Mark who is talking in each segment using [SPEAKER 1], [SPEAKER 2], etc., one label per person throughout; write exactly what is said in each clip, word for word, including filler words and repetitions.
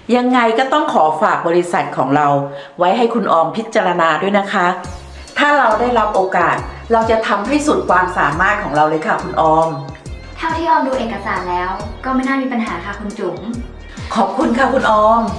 [SPEAKER 1] ยังไงก็ต้องขอฝากบริษัทของเราไว้ให้คุณออมพิจารณาด้วยนะคะ ถ้าเราได้รับโอกาสเราจะทำให้สุดความสามารถของเราเลยค่ะคุณออม
[SPEAKER 2] เท่าที่ออมดูเอกสารแล้วก็ไม่น่ามีปัญหาค่ะคุณจุ๋ม
[SPEAKER 1] ขอบคุณค่ะคุณออม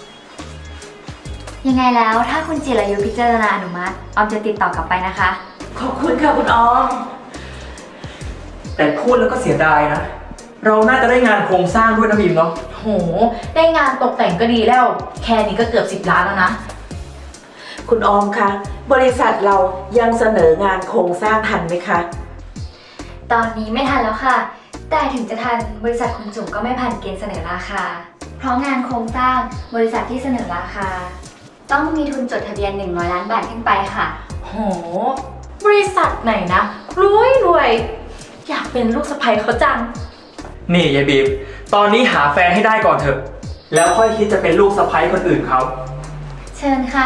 [SPEAKER 2] ยังไงแล้วถ้าคุณจิรายุพิจารณาอนุมัติออมจะติดต่อกลับไปนะคะ
[SPEAKER 1] ขอบคุณค่ะคุณออม
[SPEAKER 3] แต่พูดแล้วก็เสียดายนะ เราน่าจะได้งานโครงสร้างด้วยนะบีมเนาะ
[SPEAKER 4] โห ได้งานตกแต่งก็ดีแล้ว แค่นี้ก็เกือบสิบล้านแล้วนะ
[SPEAKER 1] คุณออมคะบริษัทเรายังเสนองานโครงสร้างทันไหมคะ
[SPEAKER 2] ตอนนี้ไม่ทันแล้วค่ะ แต่ถึงจะทันบริษัทคุณจุ๋มก็ไม่ผ่านเกณฑ์เสนอราคา เพราะงานโครงสร้างบริษัทที่เสนอราคา ต้องมีทุนจดทะเบียนหนึ่งร้อยล้านบาทขึ้นไปค่ะ
[SPEAKER 4] โห บริษัทไหนนะ รวยรวย อยากเป็นลูกสะใภ้เขาจัง
[SPEAKER 3] นี่ยายบีม ตอนนี้หาแฟนให้ได้ก่อนเถอะ แล้วค่อยคิดจะเป็นลูกสะใภ้คนอื่นเขา
[SPEAKER 2] เชิญค่ะ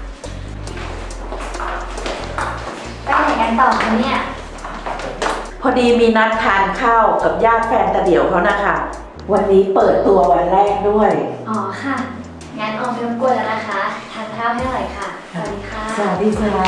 [SPEAKER 2] ไปไหนกันต่อคะเนี่ย
[SPEAKER 1] พอดีมีนัดทานข้าวกับญาติแฟนตาเดี่ยวเขานะคะ วันนี้เปิดตัววันแรกด้วย
[SPEAKER 2] อ๋อค่ะ งั้นออมไม่รบกวนแล้วนะคะ ทานข้าวให้อร่อยค่ะ สวัสดีค่ะ
[SPEAKER 1] สวัสดีค่ะ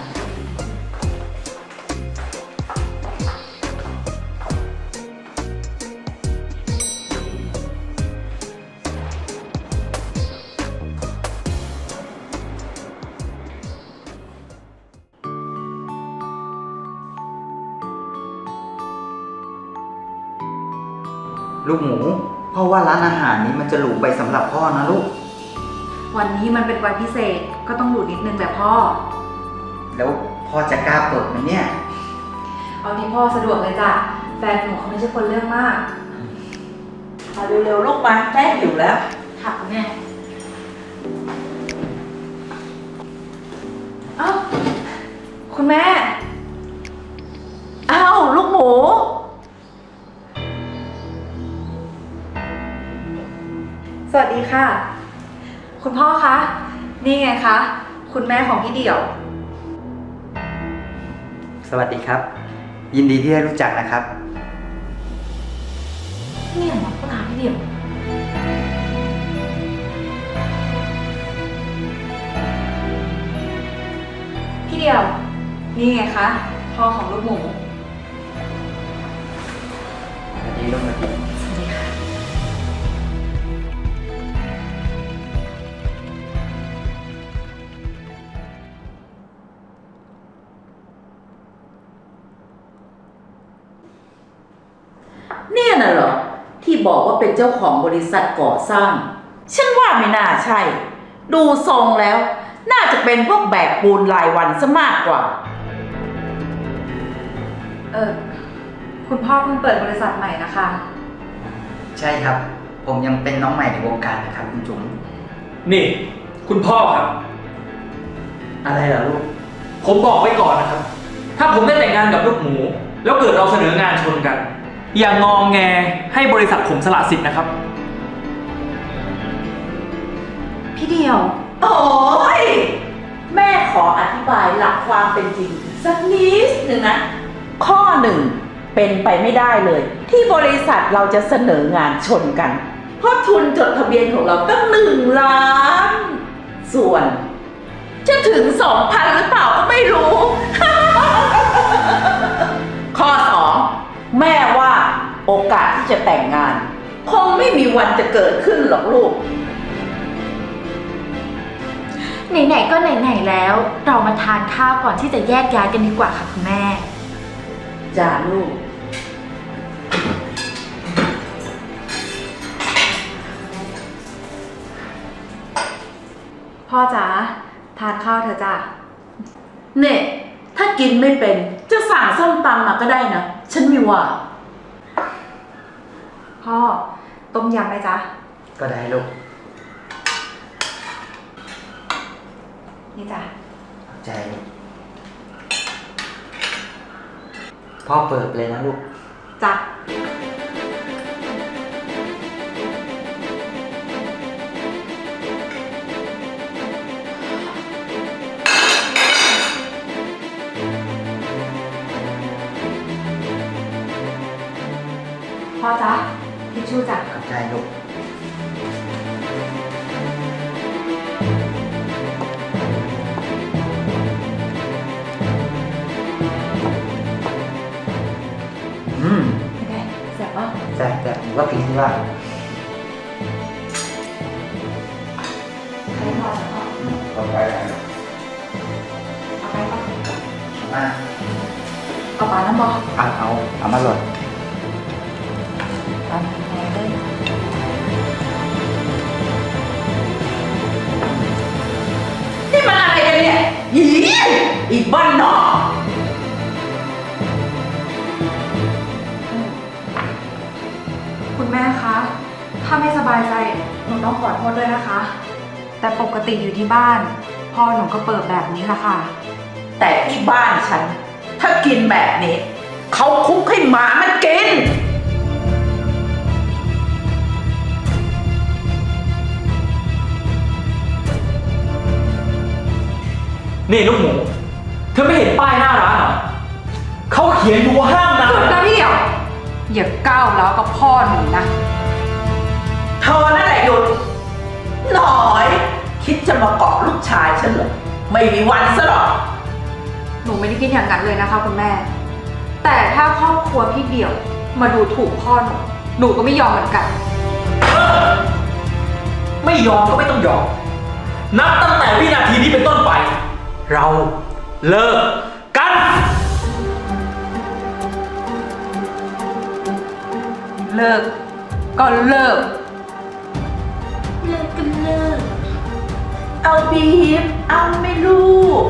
[SPEAKER 5] ลูกหมูพ่อว่าร้านอาหารนี้มันจะหรูไปสำหรับพ่อนะลูก
[SPEAKER 4] วันนี้มันเป็นวันพิเศษก็ต้องดูนิดนึงแหละพ่อ
[SPEAKER 5] แล้วพ่อจะกล้าเปิดไหมเนี่ย
[SPEAKER 4] เอาที่พ่อสะดวกเลยจ้ะ แฟนหนูเขาไม่ใช่คนเรื่องมาก
[SPEAKER 1] มาเร็วๆลูกมาแม่หิวแล้ว
[SPEAKER 4] ค่ะคุณแม่เอ้าคุณแม่
[SPEAKER 1] อ้าวลูกหมู
[SPEAKER 4] สวัสดีค่ะ คุณพ่อคะ นี่ไงคะ คุณแม่ของพี่เดี่ยว
[SPEAKER 5] สวัสดีครับ ยินดีที่ได้รู้จักนะครับ
[SPEAKER 4] นี่เหรอพ่อตาพี่เดี่ยว พี่เดี่ยว นี่ไงคะ พ่อของลูกหมู
[SPEAKER 5] สวัสดีลูกสวัสดี
[SPEAKER 4] สวัสดีค่ะ
[SPEAKER 1] เนี่ยน่ะเหรอที่บอกว่าเป็นเจ้าของบริษัทก่อสร้าง ฉันว่าไม่น่าใช่ ดูทรงแล้ว น่าจะเป็นพวกแบกปูนรายวันซะมากกว่า
[SPEAKER 4] เออคุณพ่อเพิ่งเปิดบริษัทใหม่นะคะ
[SPEAKER 5] ใช่ครับ ผมยังเป็นน้องใหม่ในวงการนะครับคุณจุ๋ม
[SPEAKER 3] นี่ คุณพ่อครับ
[SPEAKER 5] อะไรเหรอลูก
[SPEAKER 3] ผมบอกไว้ก่อนนะครับ ถ้าผมได้แต่งงานกับลูกหมู แล้วเกิดเราเสนองานชนกัน อย่างงองแงให้บริษัทผมสละสิทธิ์นะครับ
[SPEAKER 4] พี่เดี่ยว
[SPEAKER 1] โอ้ยแม่ขออธิบายหลักความเป็นจริง สักนิดหนึ่งนะ ข้อหนึ่งเป็นไปไม่ได้เลย ที่บริษัทเราจะเสนองานชนกัน เพราะทุนจดทะเบียนของเราตั้งหนึ่งล้าน ส่วน จะถึงสองพันหรือเปล่าก็ไม่รู้ ข้อสองแม่ว่าโอกาสที่จะแต่งงาน คงไม่มีวันจะเกิดขึ้นหรอกลูก
[SPEAKER 4] ไหนๆก็ไหนๆแล้ว เรามาทานข้าวก่อนที่จะแยกย้ายกันดีกว่าค่ะคุณแม่
[SPEAKER 1] จ้าลูก
[SPEAKER 4] พ่อจ๋าทานข้าวเถอะจ้ะ
[SPEAKER 1] เนี่ยถ้ากินไม่เป็นจะสั่งส้มตำมาก็ได้นะ ฉันไม่ว่า
[SPEAKER 4] พ่อต้มยำไหมจ๊ะ
[SPEAKER 5] ก็ได้ลูก
[SPEAKER 4] นี่จ้ะ
[SPEAKER 5] ขอบใจลูกพ่อเปิดเลยนะลูก
[SPEAKER 4] จ้ะ พ่อจ๊ะทิชชู่จ้ะ
[SPEAKER 5] ขอบใจลูกว่าผิดที่ว่า
[SPEAKER 4] ใครพอจะพอ
[SPEAKER 5] เอาไปไหน
[SPEAKER 4] เอาไปปะ
[SPEAKER 5] มา
[SPEAKER 4] เอาปลาน้ำบอ
[SPEAKER 5] เอาเอาเอามาเลย
[SPEAKER 4] ปลาแพงเลย
[SPEAKER 1] นี่มันอะไรกันเนี่ยอีอีบ้านนอก
[SPEAKER 4] คุณแม่คะ ถ้าไม่สบายใจหนูต้องขอโทษด้วยนะคะ แต่ปกติอยู่ที่บ้าน พ่อหนูก็เปิดแบบนี้แหละค่ะ
[SPEAKER 1] แต่ที่บ้านฉัน ถ้ากินแบบนี้ เขาคุกให้หมามันกิน
[SPEAKER 3] นี่ลูกหมู เธอไม่เห็นป้ายหน้าร้านเหรอเขาเขียนอยู่ว่าห้ามนะ
[SPEAKER 4] หยุดนะพี่เดี่ยว อย่าก้าวแล้วกับพ่อหนูนะ
[SPEAKER 1] เธอนั่นแหละหยุดหน่อย คิดจะมาเกาะลูกชายฉันเหรอ ไม่มีวันซะหรอก
[SPEAKER 4] หนูไม่ได้คิดอย่างนั้นเลยนะคะคุณแม่ แต่ถ้าครอบครัวพี่เดี่ยวมาดูถูกพ่อหนู หนูก็ไม่ยอมเหมือนกัน
[SPEAKER 3] ไม่ยอมก็ไม่ต้องยอม นับตั้งแต่วินาทีนี้เป็นต้นไป เราเลิกกัน
[SPEAKER 4] เลิก ก็เลิก
[SPEAKER 1] เลิกกันเลิก เอาบีบเอาไม่ลูก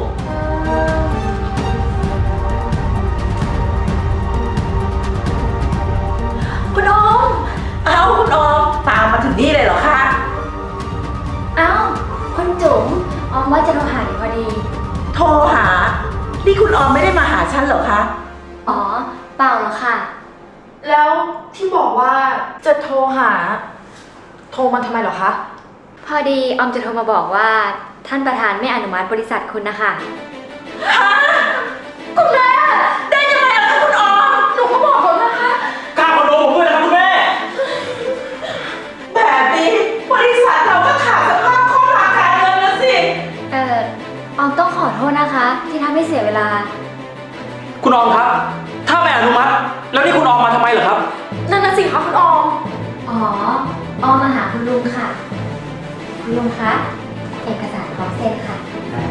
[SPEAKER 1] คุณออม เอาคุณออม ตามมาถึงนี่เลยเหรอคะ
[SPEAKER 2] เอ้าคุณจุ๋มออมว่าจะโทรหาอยู่พอดี
[SPEAKER 1] โทรหา นี่คุณออมไม่ได้มาหาฉันเหรอคะ
[SPEAKER 2] อ๋อ เปล่าหรอกค่ะ
[SPEAKER 6] แล้วที่บอกว่าจะโทรหา โทรมาทำไมเหรอคะ
[SPEAKER 2] พอดีออมจะโทรมาบอกว่าท่านประธานไม่อนุมัติบริษัทคุณนะคะ
[SPEAKER 1] คุณแม่ ได้ยังไงล่ะคะคุณออม
[SPEAKER 6] หนูก็บอกเขานะคะ
[SPEAKER 3] กล้าคอนโดผมด้วยนะครับคุณแม่
[SPEAKER 1] แบบนี้บริษัทเราก็ขาดสภาพคล่องทางการเงินแล้วสิ
[SPEAKER 2] เอ่อออมต้องขอโทษนะคะ ที่ทำให้เสียเวลา
[SPEAKER 3] คุณออมครับ ถ้าไม่อนุมัติ แล้วนี่คุณออมมาทำไมเหรอครับ
[SPEAKER 6] นั่นน่ะสิคะคุณออม
[SPEAKER 2] อ๋อ ออมมาหาคุณลุงค่ะ คุณลุงคะ เอกสารพร้อมเซ็นค่ะ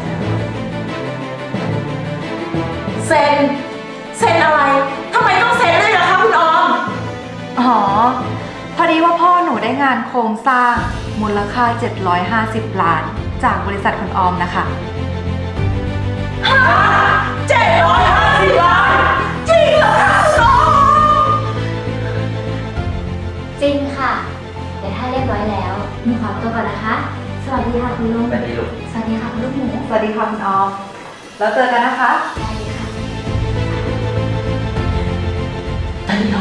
[SPEAKER 1] เซ็น เซ็นอะไร ทำไมต้องเซ็นด้วยล่ะคะคุณออม
[SPEAKER 4] อ๋อ พอดีว่าพ่อหนูได้งานโครงสร้างมูลค่า เจ็ดร้อยห้าสิบ ล้าน จากบริษัทคุณออมนะคะ
[SPEAKER 1] เจ็ดร้อยห้าสิบล้านจริงเหรอคะคุณออม
[SPEAKER 2] จริงค่ะ เดี๋ยวถ้าเรียบร้อยแล้วหนูขอตัวก่อนนะคะ สวัสดีค่ะคุณลุง
[SPEAKER 5] ไปดีลูก
[SPEAKER 2] สวัสดีค่ะคุณลูกหมู
[SPEAKER 4] สวัสดีค่ะคุณออม แล้วเจอกันนะคะ
[SPEAKER 2] ได้เลยค่ะ
[SPEAKER 1] แต่เดียว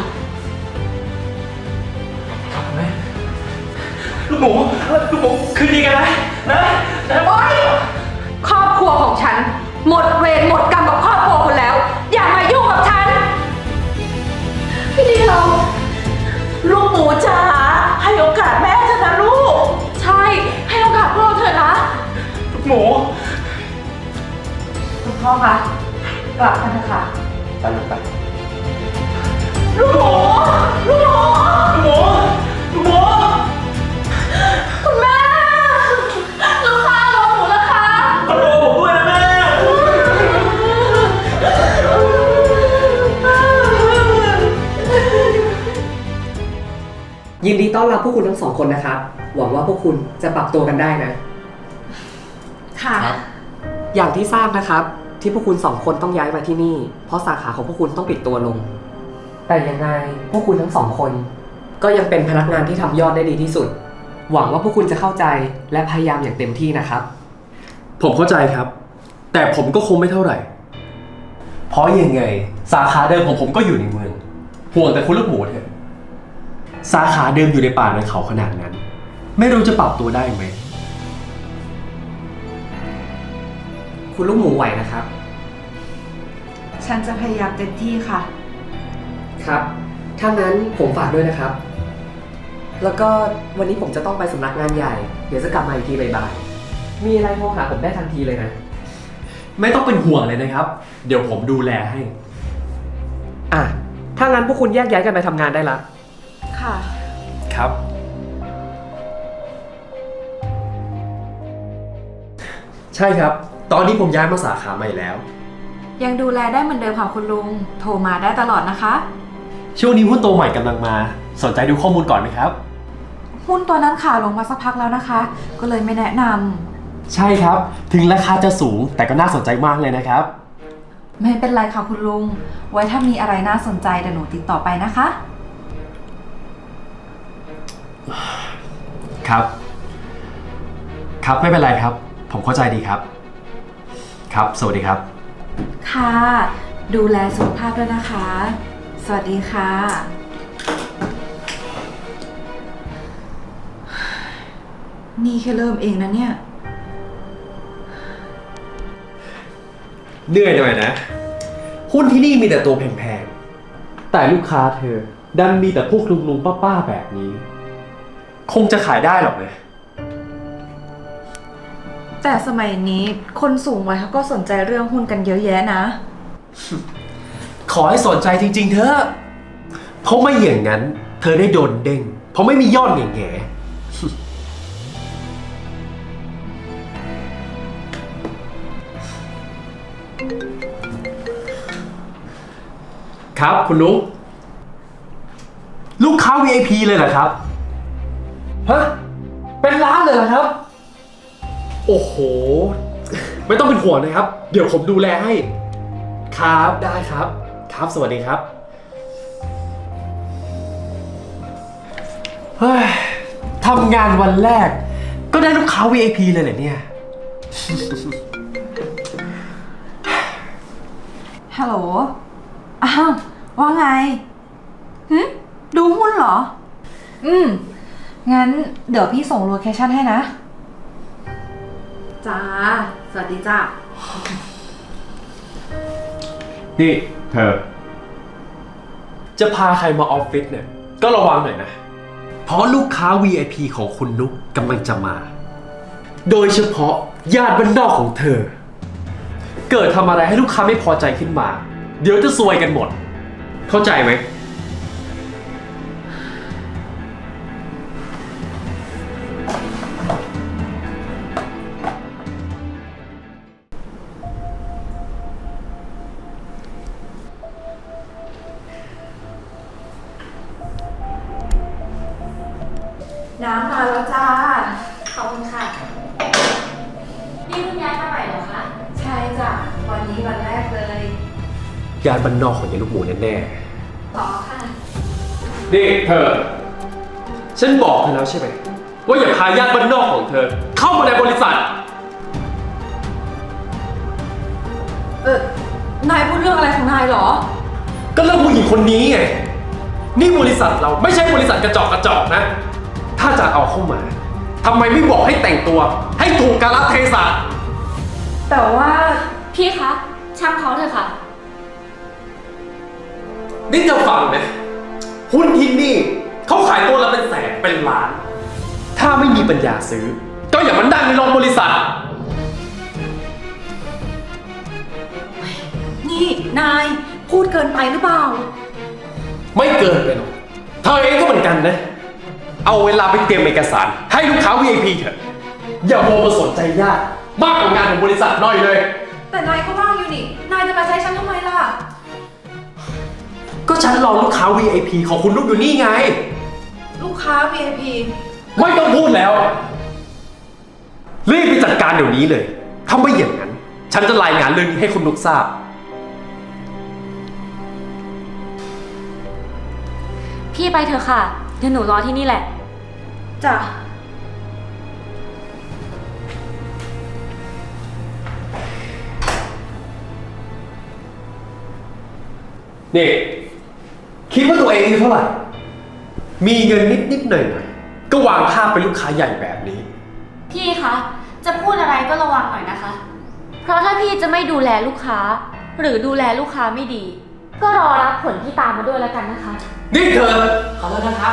[SPEAKER 3] ครับคุณแม่ ลูกหมู ลูกหมู คืนดีกันนะ นะนะ
[SPEAKER 4] โอ๊ย ครอบครัวของฉัน หมดเวรหมดกรรมกับครอบครัวคุณแล้ว อย่ามายุ่งกับฉัน
[SPEAKER 1] พี่เดียว ลูกหมูจ๋าให้โอกาสแม่เถอะนะลูก
[SPEAKER 6] ใช่ ให้โอกาสพวกเราเถอะนะ
[SPEAKER 3] ลูกหมู
[SPEAKER 4] คุณพ่อคะ กลับกันเถอะค่ะ
[SPEAKER 5] ไปลูกไป
[SPEAKER 1] ลูกหมู ลูกหมู
[SPEAKER 3] ลูกหมู ลูกหมู
[SPEAKER 6] คุณแม่ ลูกค้ารอหนูแล้วค่ะ
[SPEAKER 3] คอนโดผมด้วยนะแม่
[SPEAKER 7] ยินดีต้อนรับพวกคุณทั้งสองคนนะครับ หวังว่าพวกคุณจะปรับตัวกันได้นะ
[SPEAKER 6] ค่ะ
[SPEAKER 7] อย่างที่ทราบนะครับ ที่พวกคุณสองคนต้องย้ายมาที่นี่ เพราะสาขาของพวกคุณต้องปิดตัวลง แต่ยังไงพวกคุณทั้งสองคน ก็ยังเป็นพนักงานที่ทำยอดได้ดีที่สุด หวังว่าพวกคุณจะเข้าใจและพยายามอย่างเต็มที่นะครับ
[SPEAKER 8] ผมเข้าใจครับ แต่ผมก็คงไม่เท่าไหร่ เพราะยังไง สาขาเดิมของผมก็อยู่ในเมือง ห่วงแต่คุณลูกหมูเถอะ สาขาเดิมอยู่ในป่าในเขาขนาดนั้น ไม่รู้จะปรับตัวได้ไหม
[SPEAKER 7] คุณลูกหมูไหวนะครับ
[SPEAKER 4] ฉันจะพยายามเต็มที่ค่ะ
[SPEAKER 7] ครับ ถ้างั้นผมฝากด้วยนะครับ แล้วก็วันนี้ผมจะต้องไปสำนักงานใหญ่ เดี๋ยวจะกลับมาอีกทีบ่ายๆมีอะไรโทรหาผมได้ทันทีเลยนะ
[SPEAKER 8] ไม่ต้องเป็นห่วงเลยนะครับ เดี๋ยวผมดูแลให้
[SPEAKER 7] อ่ะ ถ้างั้นพวกคุณแยกย้ายกันไปทำงานได้ละ
[SPEAKER 4] ค่ะ
[SPEAKER 8] ครับ ใช่ครับ ตอนนี้ผมย้ายมาสาขาใหม่แล้ว
[SPEAKER 4] ยังดูแลได้เหมือนเดิมค่ะคุณลุง โทรมาได้ตลอดนะคะ
[SPEAKER 8] ช่วงนี้หุ้นตัวใหม่กำลังมา สนใจดูข้อมูลก่อนไหมครับ
[SPEAKER 4] หุ้นตัวนั้นขาลงมาสักพักแล้วนะคะ ก็เลยไม่แนะนำ
[SPEAKER 8] ใช่ครับ ถึงราคาจะสูงแต่ก็น่าสนใจมากเลยนะครับ
[SPEAKER 4] ไม่เป็นไรค่ะคุณลุง ไว้ถ้ามีอะไรน่าสนใจเดี๋ยวหนูติดต่อไปนะคะ
[SPEAKER 8] ครับ ครับไม่เป็นไรครับ ผมเข้าใจดีครับ ครับ สวัสดีครับ
[SPEAKER 4] ค่ะ ดูแลสุขภาพด้วยนะคะ สวัสดีค่ะ นี่แค่เริ่มเองนะเนี่ย
[SPEAKER 8] เหนื่อยหน่อยนะ หุ้นที่นี่มีแต่ตัวแพงๆ แต่ลูกค้าเธอ ดันมีแต่พวกลุงๆป้าๆแบบนี้ คงจะขายได้หรอกนะ
[SPEAKER 4] แต่สมัยนี้คนสูงวัยเขาก็สนใจเรื่องหุ้นกันเยอะแยะนะ
[SPEAKER 8] ขอให้สนใจจริงๆเถอะ เพราะไม่อย่างนั้น เธอได้โดนเด้ง เพราะไม่มียอดแง่ๆ ครับคุณนุ๊กลูกค้า วี ไอ พี เลยเหรอครับ ฮะ เป็นล้านเลยเหรอครับ โอ้โห ไม่ต้องเป็นห่วงนะครับ เดี๋ยวผมดูแลให้ ครับได้ครับ ครับสวัสดีครับ เฮ้ยทำงานวันแรก ก็ได้ลูกค้า วี ไอ พี เลยเหรอเนี่ย
[SPEAKER 4] ฮัลโหล อ้าว ว่าไงหึดูหุ้นเหรอ อืม งั้นเดี๋ยวพี่ส่งโลเคชั่นให้นะ จ้า สวัสดีจ้า
[SPEAKER 8] นี่เธอ จะพาใครมาออฟฟิศเนี่ย ก็ระวังหน่อยนะ เพราะลูกค้า วี ไอ พี ของคุณนุ๊กกำลังจะมา โดยเฉพาะญาติบ้านนอกของเธอ เกิดทำอะไรให้ลูกค้าไม่พอใจขึ้นมา เดี๋ยวจะซวยกันหมด เข้าใจไหม
[SPEAKER 4] น้ำมาแล้วจ้า
[SPEAKER 2] ขอบคุณค่ะ นี่คุณย้ายมาใหม่เหรอคะ
[SPEAKER 4] ใช่จ้ะ วันนี้วันแรกเลย
[SPEAKER 8] ญาติบ้านนอกของยายลูกหมูแน่
[SPEAKER 2] ต่อค่ะ
[SPEAKER 8] ๆนี่เธอ ฉันบอกเธอแล้วใช่ไหมว่าอย่าพาญาติบ้านนอกของเธอ เข้ามาในบริษัท
[SPEAKER 4] เออ นายพูดเรื่องอะไรของนายเหรอ
[SPEAKER 8] ก็เรื่องผู้หญิงคนนี้ไง นี่บริษัทเราไม่ใช่บริษัทกระจอกกระจอกนะ ถ้าจะเอาเข้ามาทำไมไม่บอกให้แต่งตัว ให้ถูกกาลเทศะ
[SPEAKER 4] แต่ว่า
[SPEAKER 2] พี่คะ ช่างเขาเถอะค่ะ
[SPEAKER 8] นี่จะฟังนะ หุ้นที่นี่เขาขายตัวละเป็นแสนเป็นล้าน ถ้าไม่มีปัญญาซื้อ ก็อย่ามานั่งในโรงบริษัท
[SPEAKER 4] นี่นายพูดเกินไปหรือเปล่า
[SPEAKER 8] ไม่เกินไปหรอกเธอเองก็เหมือนกันนะ เอาเวลาไปเตรียมเอกสาร ให้ลูกค้า วี ไอ พี เถอะ อย่าโมมาสนใจญาติมากกว่างานของบริษัทหน่อยเลย
[SPEAKER 4] แต่นายก็ว่างอยู่นี่ นายจะมาใช้ฉันทำไมล่ะ
[SPEAKER 8] ก็ฉันรอลูกค้า วี ไอ พี ของคุณลูกอยู่นี่ไง
[SPEAKER 4] ลูกค้า วี ไอ พี
[SPEAKER 8] ไม่ต้องพูดแล้ว รีบไปจัดการเดี๋ยวนี้เลย ถ้าไม่อย่างนั้น ฉันจะรายงานเรื่องนี้ให้คุณนุกทราบ
[SPEAKER 2] พี่ไปเถอะค่ะ เดี๋ยวหนูรอที่นี่แหละ
[SPEAKER 4] จ้ะ
[SPEAKER 8] นี่ คิดว่าตัวเองอายุเท่าไหร่ มีเงินนิดนิดๆหน่อยหน่อยๆก็วางภาพเป็นลูกค้าใหญ่แบบนี้
[SPEAKER 2] พี่คะ จะพูดอะไรก็ระวังหน่อยนะคะ เพราะถ้าพี่จะไม่ดูแลลูกค้า หรือดูแลลูกค้าไม่ดี ก็รอรับผลที่ตามมาด้วยแล้วกันนะคะ
[SPEAKER 8] นี่เธอ
[SPEAKER 9] ขอโทษนะครับ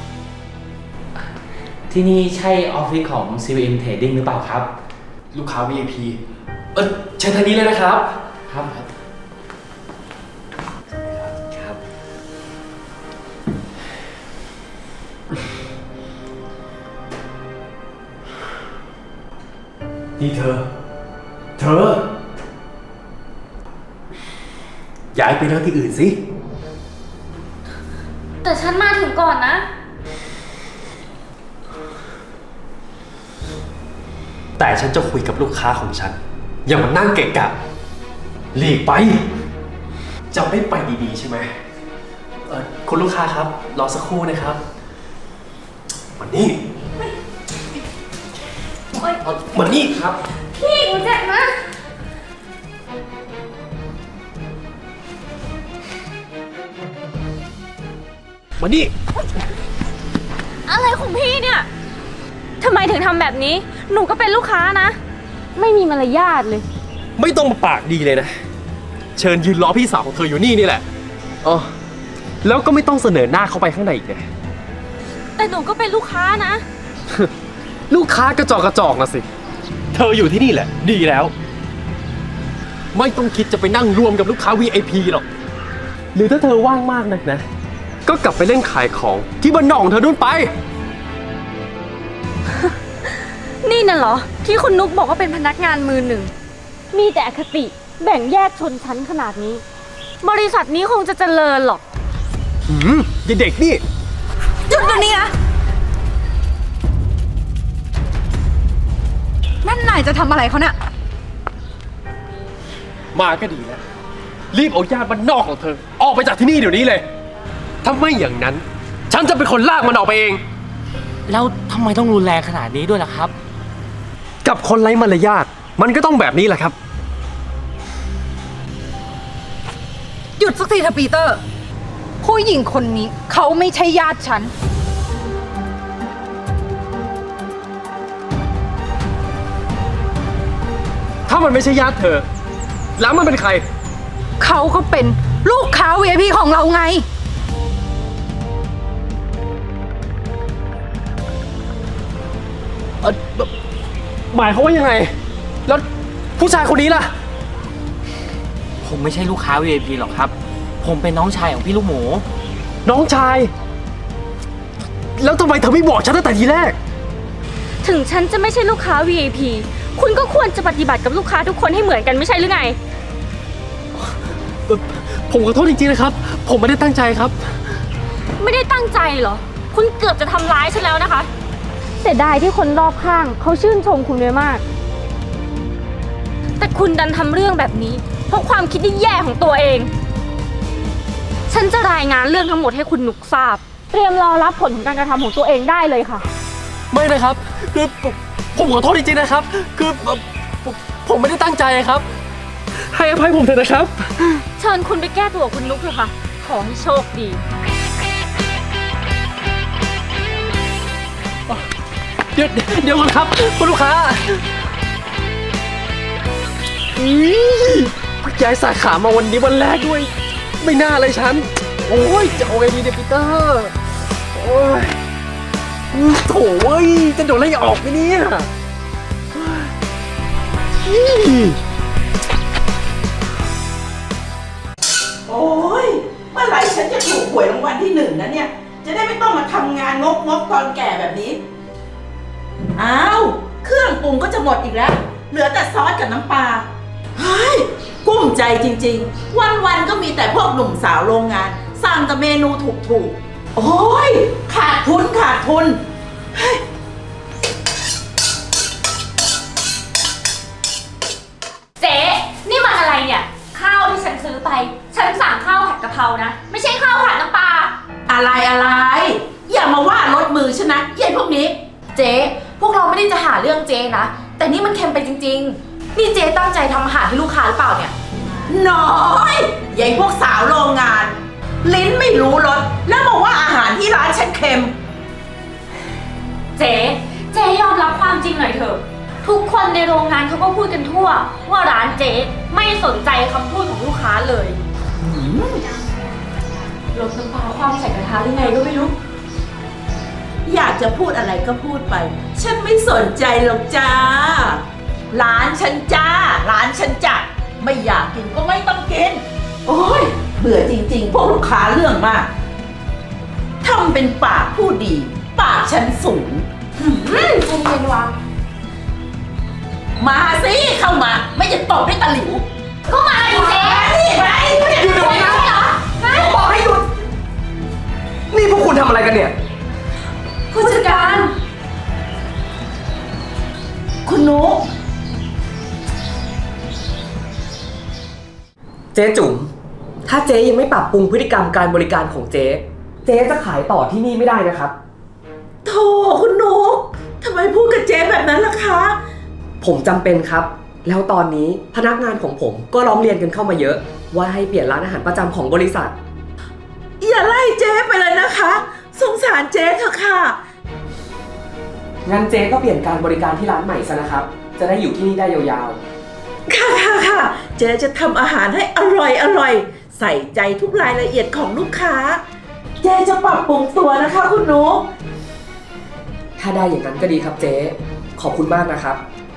[SPEAKER 9] ที่นี่ใช่ออฟฟิศของ ซี วี เอ็ม Trading หรือเปล่าครับ
[SPEAKER 8] ลูกค้า วี ไอ พี เออเชิญทางนี้เลยนะครับ
[SPEAKER 9] ครับครับ
[SPEAKER 8] นนี่เธอ เธอ ย้ายไปนั่งที่อื่นสิ
[SPEAKER 2] แต่ฉันมาถึงก่อนนะ
[SPEAKER 8] แต่ฉันจะคุยกับลูกค้าของฉัน อย่ามานั่งเกะกะหลีกไป จะไม่ไปดีๆใช่ไหมเออคุณลูกค้าครับ รอสักครู่นะครับมานี่มานี่ครับ
[SPEAKER 2] พี่กูเจ็บนะ
[SPEAKER 8] มานี่
[SPEAKER 10] อะไรของพี่เนี่ย ทำไมถึงทำแบบนี้ หนูก็เป็นลูกค้านะ ไม่มีมารยาทเลย
[SPEAKER 8] ไม่ต้องมาปากดีเลยนะ เชิญยืนรอพี่สาวของเธออยู่นี่นี่แหละอ๋อแล้วก็ไม่ต้องเสนอหน้าเข้าไปข้างในอีกนะ
[SPEAKER 10] แต่หนูก็เป็นลูกค้านะ
[SPEAKER 8] ลูกค้ากระจอกกระจอกนะสิ เธออยู่ที่นี่แหละ ดีแล้ว ไม่ต้องคิดจะไปนั่งรวมกับลูกค้า วี ไอ พี หรอก หรือถ้าเธอว่างมากนักนะ ก็กลับไปเล่นขายของที่บ้านนอกของเธอนู่นไป
[SPEAKER 10] นี่น่ะเหรอ ที่คุณนุกบอกว่าเป็นพนักงานมือหนึ่ง มีแต่อคติแบ่งแยกชนชั้นขนาดนี้ บริษัทนี้คงจะเจริญหรอก
[SPEAKER 8] หืมยายเด็กนี่
[SPEAKER 4] หยุดเดี๋ยวนี้นะนั่นนายจะทำอะไรเขาเนี่ย
[SPEAKER 8] มาก็ดีแล้ว รีบเอาญาติบ้านนอกของเธอ ออกไปจากที่นี่เดี๋ยวนี้เลย ถ้าไม่อย่างนั้น ฉันจะเป็นคนลากมันออกไปเอง
[SPEAKER 9] แล้วทำไมต้องรุนแรงขนาดนี้ด้วยล่ะครับ
[SPEAKER 8] กับคนไร้มารยาทมันก็ต้องแบบนี้แหละครับ
[SPEAKER 4] หยุดสักทีเถอะปีเตอร์ ผู้หญิงคนนี้เขาไม่ใช่ญาติฉัน
[SPEAKER 8] ถ้ามันไม่ใช่ญาติเธอ แล้วมันเป็นใคร
[SPEAKER 4] เขาก็เป็นลูกค้า วี ไอ พี ของเราไง
[SPEAKER 8] เอ่อหมายเขามว่ายังไง แล้วผู้ชายคนนี้ล่ะ
[SPEAKER 9] ผมไม่ใช่ลูกค้า วี ไอ พี หรอกครับ ผมเป็นน้องชายของพี่ลูกหมู
[SPEAKER 8] น้องชาย แล้วทำไมเธอไม่บอกฉันตั้งแต่ทีแรก
[SPEAKER 10] ถึงฉันจะไม่ใช่ลูกค้า วี ไอ พี คุณก็ควรจะปฏิบัติกับลูกค้าทุกคนให้เหมือนกันไม่ใช่หรือไง
[SPEAKER 8] ผมขอโทษจริงๆนะครับ ผมไม่ได้ตั้งใจครับ
[SPEAKER 10] ไม่ได้ตั้งใจเหรอ คุณเกือบจะทำร้ายฉันแล้วนะคะเสียดายที่คนรอบข้างเขาชื่นชมคุณไว้มาก แต่คุณดันทำเรื่องแบบนี้เพราะความคิดที่แย่ของตัวเอง ฉันจะรายงานเรื่องทั้งหมดให้คุณนุกทราบ เตรียมรอรับผลของการกระทำของตัวเองได้เลยค่ะ
[SPEAKER 8] ไม่นะครับ คือผมผมขอโทษจริงๆนะครับ คือผมผมไม่ได้ตั้งใจครับ ให้อภัยผมเถอะนะครับ
[SPEAKER 10] เชิญคุณไปแก้ตัวกับคุณนุกเถอะค่ะ ขอให้โชคดี
[SPEAKER 8] เดี๋ยวเดี๋ยวก่อนครับคุณลูกค้าอุ๊ยเพิ่งย้ายสาขามาวันนี้วันแรกด้วย ไม่น่าเลยฉัน โอ้ยจะเอาไงดีเนี่ยปีเตอร์โอ้ยโถ่เว้ยจะโดนไล่ออกไหมเนี่ยอี้
[SPEAKER 1] โอ้ยเมื่อไหร่ฉันจะถูกหวยรางวัลที่หนึ่งนะเนี่ย จะได้ไม่ต้องมาทำงานงกงกๆตอนแก่แบบนี้ อ้าว เครื่องปรุงก็จะหมดอีกแล้ว เหลือแต่ซอสกับน้ำปลาเฮ้ยกุ้มใจจริงๆ วันๆก็มีแต่พวกหนุ่มสาวโรงงานสั่งแต่เมนูถูกๆ โอ้ยขาดทุนขาดทุนเฮ้ย
[SPEAKER 10] เจ๊นี่มันอะไรเนี่ย ข้าวที่ฉันซื้อไป ฉันสั่งข้าวผัดกะเพรานะ ไม่ใช่ข้าวผัดน้ำปลา
[SPEAKER 1] อะไรอะไร อย่ามาว่ารถมือฉันนะเยัยพวกนี้
[SPEAKER 6] เจ๊พวกเราไม่ได้จะหาเรื่องเจ๊นะ แต่นี่มันเค็มไปจริงๆ นี่เจ๊ตั้งใจทำอาหารให้ลูกค้าหรือเปล่าเนี่ย
[SPEAKER 1] น้อยใหญ่พวกสาวโรงงาน ลิ้นไม่รู้รสแล้วมาว่าอาหารที่ร้านฉันเค็ม
[SPEAKER 10] เจ๊เจ๊ยอมรับความจริงหน่อยเถอะ ทุกคนในโรงงานเขาก็พูดกันทั่ว ว่าร้านเจ๊ไม่สนใจคำพูดของลูกค้าเลยลดน้ำปลาความใส่กระทะหรือไงก็ไม่รู้
[SPEAKER 1] อยากจะพูดอะไรก็พูดไป ฉันไม่สนใจหรอกจ้า ร้านฉันจ้า ร้านฉันจ้ะไม่อยากกินก็ไม่ต้องกิน โอ้ยเบื่อจริงๆ พวกลูกค้าเรื่องมากทำเป็นปากผู้ดี ปากฉันสูง
[SPEAKER 6] ใจเย็นวะ
[SPEAKER 1] มาสิเข้ามา ไม่จะตบด้วยตะหลิว
[SPEAKER 10] ก็มาดิเจ๊
[SPEAKER 1] นี่ไป
[SPEAKER 7] หยุดเดี๋ยวนี้นะผมบอกให้หยุด นี่พวกคุณทำอะไรกันเนี่ย
[SPEAKER 6] ผู้จัดการ
[SPEAKER 1] คุณนุ๊ก
[SPEAKER 7] เจ๊จุ๋ม ถ้าเจ๊ยังไม่ปรับปรุงพฤติกรรมการบริการของเจ๊ เจ๊จะขายต่อที่นี่ไม่ได้นะครับ
[SPEAKER 1] โธ่คุณนุ๊กทำไมพูดกับเจ๊แบบนั้นล่ะคะ
[SPEAKER 7] ผมจำเป็นครับ แล้วตอนนี้พนักงานของผมก็ร้องเรียนกันเข้ามาเยอะ ว่าให้เปลี่ยนร้านอาหารประจำของบริษัท
[SPEAKER 1] อย่าไล่เจ๊ไปเลยนะคะ สงสารเจ๊เถอะค่ะ
[SPEAKER 7] งั้นเจ๊ก็เปลี่ยนการบริการที่ร้านใหม่ซะนะครับ จะได้อยู่ที่นี่ได้ยาว
[SPEAKER 1] ค่ะค่ะค่ะเจ๊จะทำอาหารให้อร่อยอร่อย ใส่ใจทุกรายละเอียดของลูกค้า เจ๊จะปรับปรุงตัวนะคะคุณนุ๊ก
[SPEAKER 7] ๆ ถ้าได้อย่างนั้นก็ดีครับเจ๊ ขอบคุณมากนะครับ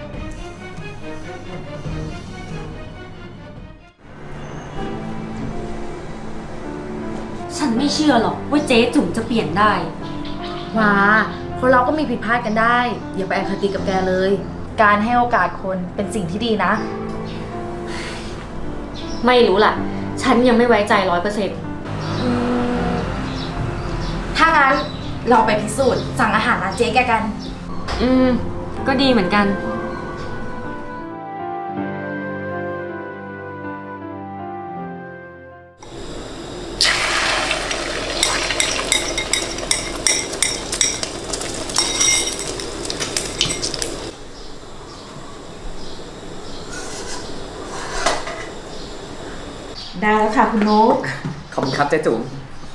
[SPEAKER 10] ฉันไม่เชื่อหรอกว่าเจ๊จุ๋มจะเปลี่ยนได้
[SPEAKER 6] ว้าคนเราก็มีผิดพลาดกันได้ อย่าไปอคติกับแกเลย การให้โอกาสคนเป็นสิ่งที่ดีนะ
[SPEAKER 10] ไม่รู้ล่ะ ฉันยังไม่ไว้ใจร้อยเปอร์เซ็นต์
[SPEAKER 6] ถ้างั้นเราไปพิสูจน์สั่งอาหารร้านเจ๊แกกัน
[SPEAKER 10] อืม ก็ดีเหมือนกัน
[SPEAKER 1] ได้แล้วค่ะคุณนุ๊ก
[SPEAKER 7] ขอบคุณครับเจ๊จุ๋ม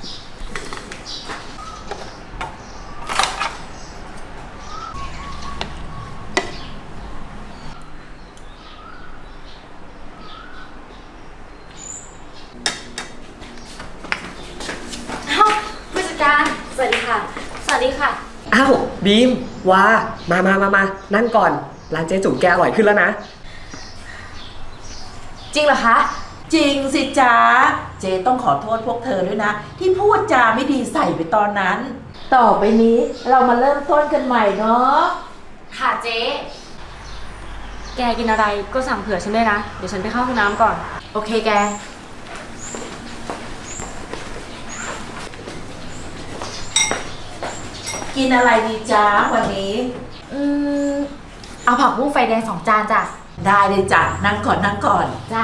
[SPEAKER 6] เอ้าผู้จัดการ สวัสดีค่ะ
[SPEAKER 10] สวัสดีค่ะ
[SPEAKER 7] อ้าวบีมว้ามามามามานั่งก่อน ร้านเจ๊จุ๋มแกอร่อยขึ้นแล้วนะ
[SPEAKER 6] จริงเหรอคะ
[SPEAKER 1] จริงสิจ๊ะ เจ๊ต้องขอโทษพวกเธอด้วยนะ ที่พูดจาไม่ดีใส่ไปตอนนั้น ต่อไปนี้เรามาเริ่มต้นกันใหม่เนาะ
[SPEAKER 6] ค่ะเจ๊
[SPEAKER 10] แกกินอะไรก็สั่งเผื่อฉันด้วยนะ เดี๋ยวฉันไปเข้าห้องน้ำก่อน
[SPEAKER 6] โอเคแก
[SPEAKER 1] กินอะไรดีจ๊ะวันนี้
[SPEAKER 6] อืม เอาผักบุ้งไฟแดงสองจานจ้ะ
[SPEAKER 1] ได้เลยจ้ะนั่งก่อนนั่งก่อน
[SPEAKER 6] จ้ะ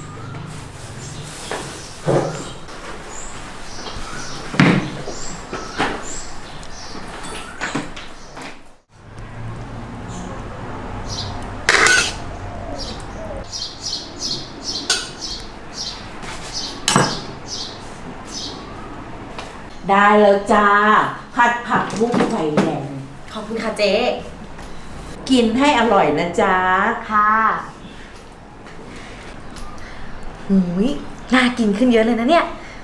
[SPEAKER 1] ได้แล้วจ้าผัดผักบุ้งไฟแดง
[SPEAKER 6] ขอบคุณค่ะเจ๊
[SPEAKER 1] กินให้อร่อยนะจ๊ะ
[SPEAKER 6] ค่ะหูยน่ากินขึ้นเยอะเลยนะเนี่ย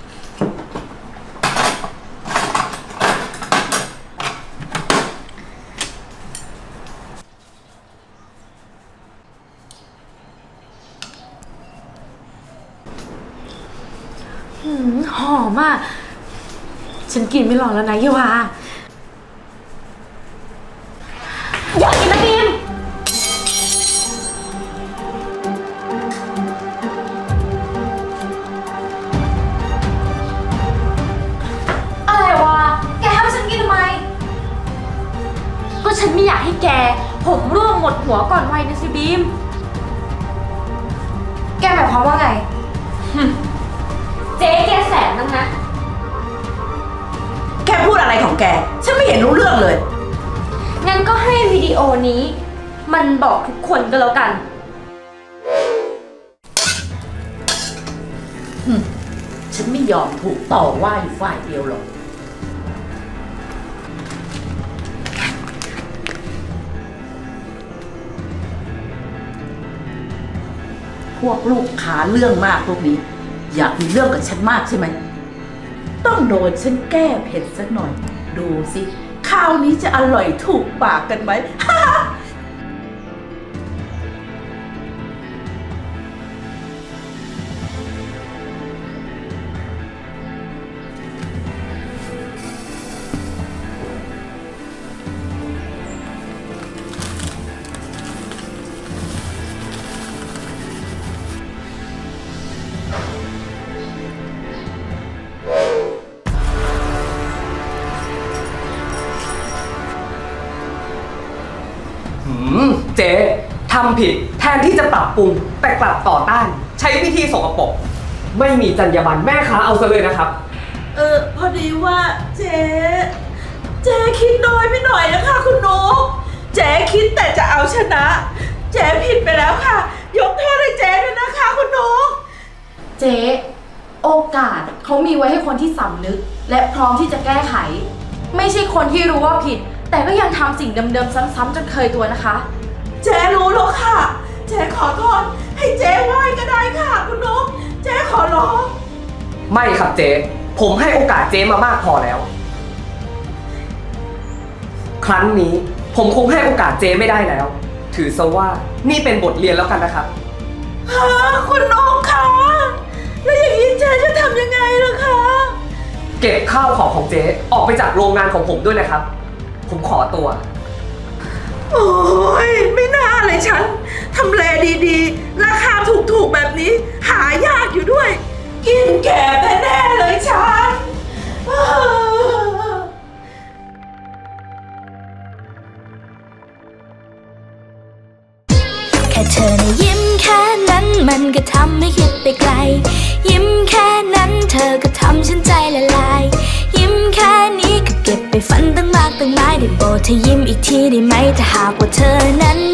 [SPEAKER 6] หืมหอมอ่ะ ฉันกินไม่รอแล้วนะเยวาอยากกินนะบีม อะไรวะ แกให้ฉันกินทำไม
[SPEAKER 10] ก็ฉันไม่อยากให้แก ผมร่วงหมดหัวก่อนวัยนะสิบีม
[SPEAKER 6] แกหมายความว่าไง
[SPEAKER 10] เจ๊แกแสนนึงนะ
[SPEAKER 1] แกพูดอะไรของแก ฉันไม่เห็นรู้เรื่องเลย
[SPEAKER 10] งั้นก็ให้วิดีโอนี้ มันบอกทุกคนก็แล้วกัน
[SPEAKER 1] ฉันไม่ยอมถูกต่อว่าอยู่ฝ่ายเดียวหรอก พวกลูกค้าเรื่องมากพวกนี้ อยากมีเรื่องกับฉันมากใช่ไหม ต้องโดนฉันแก้เผ็ดสักหน่อย ดูสิ ข้าวนี้จะอร่อยถูกปากกันไหม
[SPEAKER 6] อ
[SPEAKER 7] หืมเจ๊ทำผิดแทนที่จะปรับปรุงแต่กลับต่อต้าน ใช้วิธีสกปรกไม่มีจรรยาบรรณแม่ค้าเอาซะเลยนะครับ
[SPEAKER 1] เออพอดีว่าเจ๊เจ๊คิดน้อยไปหน่อยนะคะคุณนุ๊กเจ๊คิดแต่จะเอาชนะ เจ๊ผิดไปแล้วค่ะ ยกโทษให้เจ๊ด้วยนะคะคุณนุ๊ก
[SPEAKER 6] เจ๊โอกาสเขามีไว้ให้คนที่สำนึก และพร้อมที่จะแก้ไข ไม่ใช่คนที่รู้ว่าผิด แต่ก็ยังทำสิ่งเดิมๆซ้ำๆจนเคยตัวนะคะ
[SPEAKER 1] เจ๊รู้แล้วค่ะ เจ๊ขอโทษให้เจ๊ไหว้ก็ได้ค่ะคุณนุ๊กเจ๊ขอร้อง
[SPEAKER 7] ไม่ครับเจ๊ผมให้โอกาสเจ๊มามากพอแล้ว ครั้งนี้ผมคงให้โอกาสเจ๊ไม่ได้แล้ว ถือซะว่านี่เป็นบทเรียนแล้วกันนะครับ
[SPEAKER 1] ฮะคุณนุ๊กคะแล้วอย่างนี้เจ๊จะทำยังไงล่ะคะ
[SPEAKER 7] เก็บข้าวของของเจ๊ออกไปจากโรงงานของผมด้วยนะครับ ผมขอตัว
[SPEAKER 1] โอ้ยไม่น่าเลยฉันทำเลดีๆ ราคาถูกๆแบบนี้ หายากอยู่ด้วย กินแก่แน่ๆเลยฉัน
[SPEAKER 11] แค่เธอนะยิ้มแค่นั้นมันก็ทำให้คิดไปไกล ยิ้มแค่นั้นเธอก็ทำฉันใจละลาย ยิ้มแค่นี้ก็เก็บไปฝันตั้งมากตั้งหลายได้โปรดเธอยิ้มอีกทีได้ไหมถ้าหากว่าเธอนั้น